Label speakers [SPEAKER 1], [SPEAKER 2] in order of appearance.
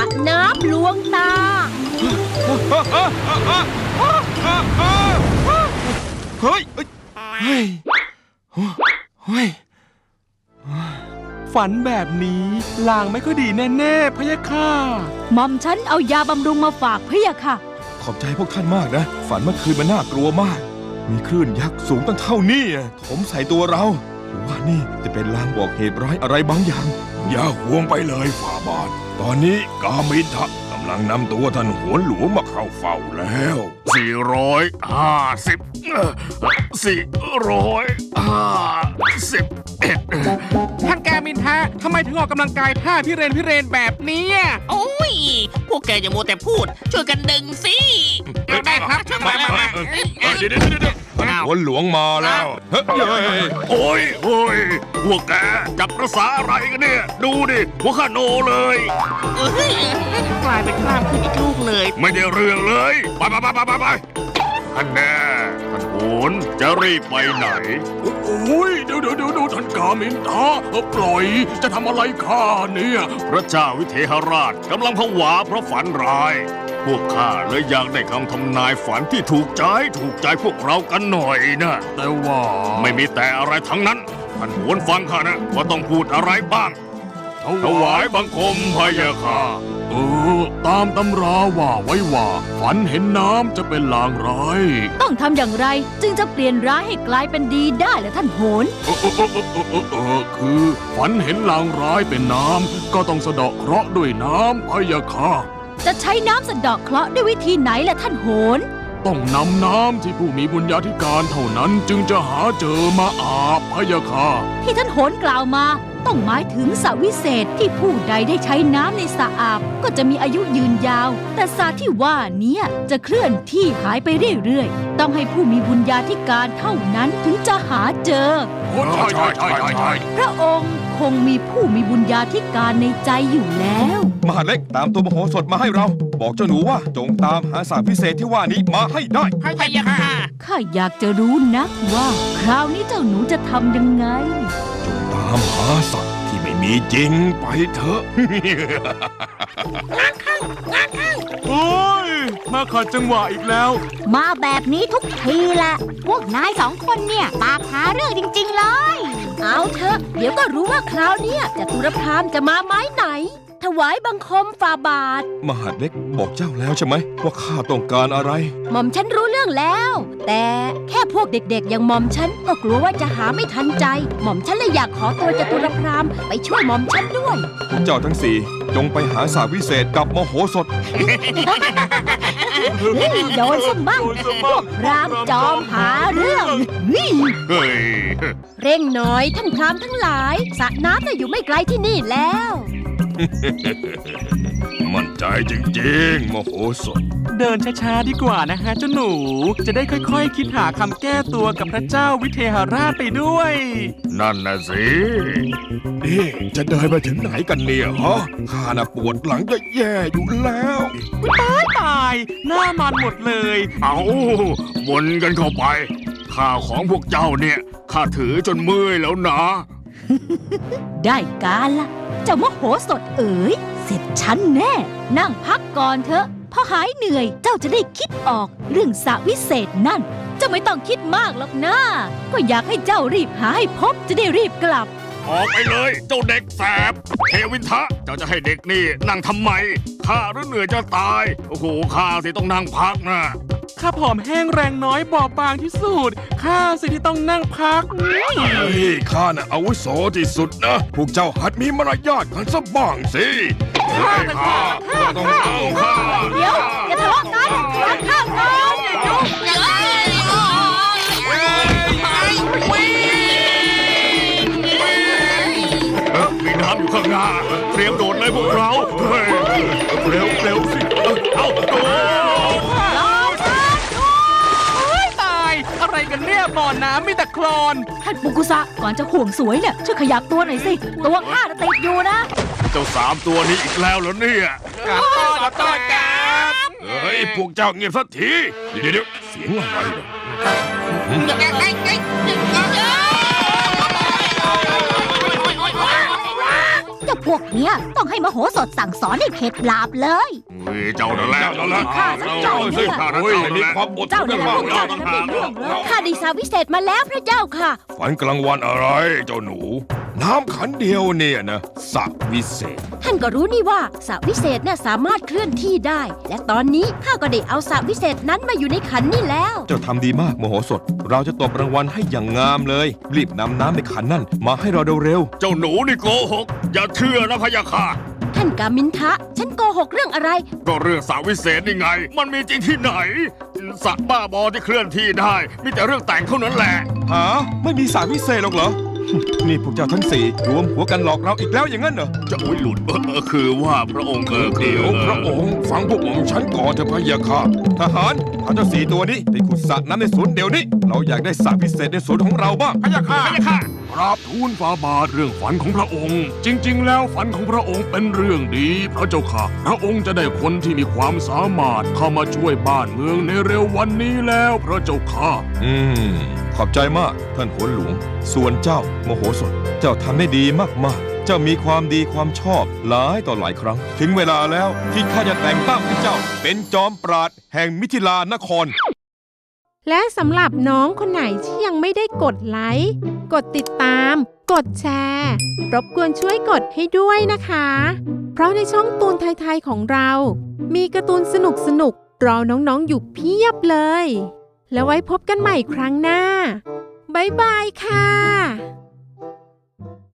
[SPEAKER 1] น้ำลวงตา
[SPEAKER 2] เฮ้ยฝันแบบนี้ลางไม่ค่อยดีแน่ๆพะยะค่ะ
[SPEAKER 1] หม่อมฉันเอายาบำรุงมาฝากพะยะค่ะ
[SPEAKER 2] ขอบใจพวกท่านมากนะฝันเมื่อคืนมันน่ากลัวมากมีคลื่นยักษ์สูงตั้งเท่านี้ถมใส่ตัวเราหรือว่านี่จะเป็นลางบอกเหตุร้ายอะไรบางอย่าง
[SPEAKER 3] อย่าห่วงไปเลยฝ่าบาทตอนนี้กามิทะกำลังนำตัวท่านโหนหลวงมาเข้าเฝ้าแล้ว451
[SPEAKER 4] ท่านกามินทะทำไมถึงออกกำลังกายท่าพิเรนแบบนี้
[SPEAKER 5] โอ้ยพวกแกอย่ามัวแต่พูดช่วยกันดึงสิ
[SPEAKER 4] ได้ครับมา
[SPEAKER 3] เดี๋ยวท่านโหนหลวงมาแล้วโอ้ยพวกแกจับประสาอะไรกันเนี่ยดูดิหัวข้าโนเลย
[SPEAKER 5] กลายเป็นกล้ามขึ้นอีกลูกเลย
[SPEAKER 3] ไม่ได้เรื่องเลยไปท่านแน่ท่านโหนจะรีบไปไหน
[SPEAKER 6] โอ้ยดูท่านกามินทะปล่อยจะทำอะไรข้าเนี่ย
[SPEAKER 3] พระเจ้าวิเทหราชกำลังผวาเพราะฝันร้ายพวกข้าเลยอยากได้คำทำนายฝันที่ถูกใจพวกเรากันหน่อยนะ
[SPEAKER 6] แต่ว่า
[SPEAKER 3] ไม่มีแต่อะไรทั้งนั้นท่านโหนฟังข้านะว่าต้องพูดอะไรบ้างถวายบังคมพะยะค่ะ
[SPEAKER 6] ตามตำราว่าไว้ว่าฝันเห็นน้ำจะเป็นลางร้าย
[SPEAKER 1] ต้องทำอย่างไรจึงจะเปลี่ยนร้ายให้กลายเป็นดีได้ล่ะท่านโหน
[SPEAKER 6] คือฝันเห็นลางร้ายเป็นน้ำก็ต้องสะเดาะเคราะห์ด้วยน้ำพะยะค่ะ
[SPEAKER 1] จะใช้น้ำสะเดาะเคราะห์ด้วยวิธีไหนล่ะท่านโหน
[SPEAKER 6] ต้องนำน้ำที่ผู้มีบุญญาธิการเท่านั้นจึงจะหาเจอมาอาบพะยะค่ะ
[SPEAKER 1] ที่ท่านโหนกล่าวมาต้องหมายถึงสระวิเศษที่ผู้ใดได้ใช้น้ำในสระอาบก็จะมีอายุยืนยาวแต่สระที่ว่านี้จะเคลื่อนที่หายไปเรื่อยๆต้องให้ผู้มีบุญญาธิการเท่านั้นถึงจะหาเจอ
[SPEAKER 6] ใช่
[SPEAKER 1] พระองค์คงมีผู้มีบุญญาธิการในใจอยู่แล้ว
[SPEAKER 2] มหาเล็กตามตัวมโหสถมาให้เราบอกเจ้าหนูว่าจงตามหาสระพิเศษที่ว่านี้มาให้ได้
[SPEAKER 5] พะยะค่ะ
[SPEAKER 1] ข้าอยากจะรู้นักว่าคราวนี้เจ้าหนูจะทำยังไง
[SPEAKER 3] จงตามหาสัตว์ที่ไม่มีจริงไปเถอะ
[SPEAKER 6] งานเข้าโอ้ยมาขัดจังหวะอีกแล้ว
[SPEAKER 1] มาแบบนี้ทุกทีแหละพวกนาย2 คนเนี่ยปากหาเรื่องจริงๆเลยเอาเถอะเดี๋ยวก็รู้ว่าคราวนี้จตุรพรามจะมาไม้ไหนถวายบังคมฝ่าบาท
[SPEAKER 2] มหาเล็กบอกเจ้าแล้วใช่ไหมว่าข้าต้องการอะไร
[SPEAKER 1] หม่อมฉันรู้เรื่องแล้วแต่แค่พวกเด็กๆอย่างหม่อมฉันก็กลัวว่าจะหาไม่ทันใจหม่อมฉันเลยอยากขอตัวจตุรพรามไปช่วยหม่อมฉันด้วย
[SPEAKER 2] พวกเจ้าทั้ง4จงไปหาสระวิเศษกับมโหสถ
[SPEAKER 1] โดนสมบ้างพวกพรามจอมหาเรื่องเร่งหน่อยท่านพรามทั้งหลายสระน้ำน่ะอยู่ไม่ไกลที่นี่แล้ว
[SPEAKER 3] มั่นใจจริงๆมโหสถ
[SPEAKER 4] เดินช้าๆดีกว่านะฮะเจ้าหนูจะได้ค่อยๆคิดหาคำแก้ตัวกับพระเจ้าวิเทหราชไปด้วย
[SPEAKER 3] นั่นน่ะสิ
[SPEAKER 2] จะเดินไปถึงไหนกันเนี่ยฮะข้าน่ะปวดหลังจะแย่อยู่แล้ว
[SPEAKER 4] ตายหน้ามันหมดเลย
[SPEAKER 3] เอาวนกันเข้าไปข้าวของพวกเจ้าเนี่ยข้าถือจนเมื่อยแล้วนะ
[SPEAKER 1] ได้การละเจ้ามโหสถเอ๋ยเสร็จฉันแน่นั่งพักก่อนเถอะพอหายเหนื่อยเจ้าจะได้คิดออกเรื่องสระวิเศษนั่นเจ้าไม่ต้องคิดมากหรอกนะก็อยากให้เจ้ารีบหาให้พบจะได้รีบกลับ
[SPEAKER 3] ออกไปเลยเจ้าเด็กแสบเทวินทะเจ้าจะให้เด็กนี่นั่งทำไมข้าหรือเหนื่อยจะตายโอ้โหข้าสิต้องนั่งพักนะ
[SPEAKER 4] ข้าผอมแห้งแรงน้อยบอบบางที่สุดข้าสิที่ต้องนั่งพัก
[SPEAKER 3] ข้าน่ะอาวุโสที่สุดนะพวกเจ้าหัดมีมารยาทกันสักบ้างสิข้า
[SPEAKER 1] ต้องข้าเดี๋ยวอย่าทะเลาะกันทานข้าวก่อน
[SPEAKER 3] มีน้ำอยู่ข้างหน้าเตรียมโดดเลยพวกเราเร็วสิเอาโดด
[SPEAKER 4] อะไรกันเนี่ยบ่อน้ำมีแต่โคลน
[SPEAKER 1] ท่านปุกุสะก่อนจะห่วงสวยเนี่ยช่วยขยับตัวหน่อยสิตัวข้าติดอยู่นะ
[SPEAKER 3] เจ้า3 ตัวนี้อีกแล้วเหรอเนี่ย
[SPEAKER 4] ขอโทษครับ
[SPEAKER 3] เฮ้ยพวกเจ้าเงียบสักทีเดี๋ยวเสียงอะไรเนี่ย
[SPEAKER 1] เจ้าปุวกเนี้ยต้องให้มโหสถสั่งสอนให้เข็ดหลาบเลย
[SPEAKER 3] เจ้านั่นแหละ
[SPEAKER 1] เจ้าสิ
[SPEAKER 3] ข้า
[SPEAKER 2] โอ้ยมีความอดท
[SPEAKER 1] เจ้าน นั่นแหละ
[SPEAKER 2] มาก
[SPEAKER 1] พวกเจ้านั่นแหละเป็นเรื่องเลยข้าได้สาวิเศษมาแล้วพระเจ้าค่ะ
[SPEAKER 2] ฝันกลางวันอะไรเจ้าหนู น้ำขันเดียวเนี่ยนะสระวิเศษ
[SPEAKER 7] ท่านก็รู้นี่ว่าสระวิเศษน่ะสามารถเคลื่อนที่ได้ และตอนนี้ข้าก็ได้เอาสระวิเศษนั้นมาอยู่ในขันนี่แล้ว
[SPEAKER 2] เจ้าทำดีมากมโหสถ เราจะตบรางวัลให้อย่างงามเลย รีบนำน้ำในขันนั่นมาให้เราเร็ว
[SPEAKER 3] เจ้าหนูนี่โกหก อย่าเชื่อนะพะยะค่ะ
[SPEAKER 7] ท่านกามินทะ ฉันโกหกเรื่องอะไร
[SPEAKER 3] ก็เรื่องสาววิเศษนี่ไง มันมีจริงที่ไหน สัตว์บ้าบอที่เคลื่อนที่ได้ มีแต่เรื่องแต่งเท่านั้นแหละ
[SPEAKER 2] ๆหาไม่มีสระวิเศษหรอกเหรอ นี่พวกเจ้าทั้งสี่รวมหัวกันหลอกเราอีกแล้วอย่างนั้นเหรอ
[SPEAKER 3] จะอุ้ยหลุดคือว่าพระองค์
[SPEAKER 2] เดี๋ยวพระองค์ฟังพวกผมฉันก่อนเถอะพะยะค่ะทหารพาเจ้าสี่ตัวนี้ไปขุดสระน้ำในสวนเดี๋ยวนี้ เราอยากได้สระพิเศษในสวนของเราบ้างพะยะค่ะ
[SPEAKER 6] กราบทูลฝ่าบาทเรื่องฝันของพระองค์ จริง ๆ แล้วฝันของพระองค์เป็นเรื่องดีพระเจ้าค่ะ พระองค์จะได้คนที่มีความสามารถเข้ามาช่วยบ้านเมืองในเร็ววันนี้แล้วพระเจ้าค่ะ
[SPEAKER 2] ขอบใจมากท่านโหนหลวง ส่วนเจ้ามโหสถ เจ้าทำได้ดีมากๆ เจ้ามีความดีความชอบหลายต่อหลายครั้ง ถึงเวลาแล้วที่ข้าจะแต่งตั้งให้เจ้า เป็นจอมปราดแห่งมิถิลานคร
[SPEAKER 8] และสำหรับน้องคนไหนที่ยังไม่ได้กดไลค์ กดติดตาม กดแชร์ รบกวนช่วยกดให้ด้วยนะคะ เพราะในช่องตูนไทยๆของเรา มีการ์ตูนสนุกๆ รอน้องๆอยู่เพียบเลย แล้วไว้พบกันใหม่ครั้งหน้า บ๊ายบายค่ะ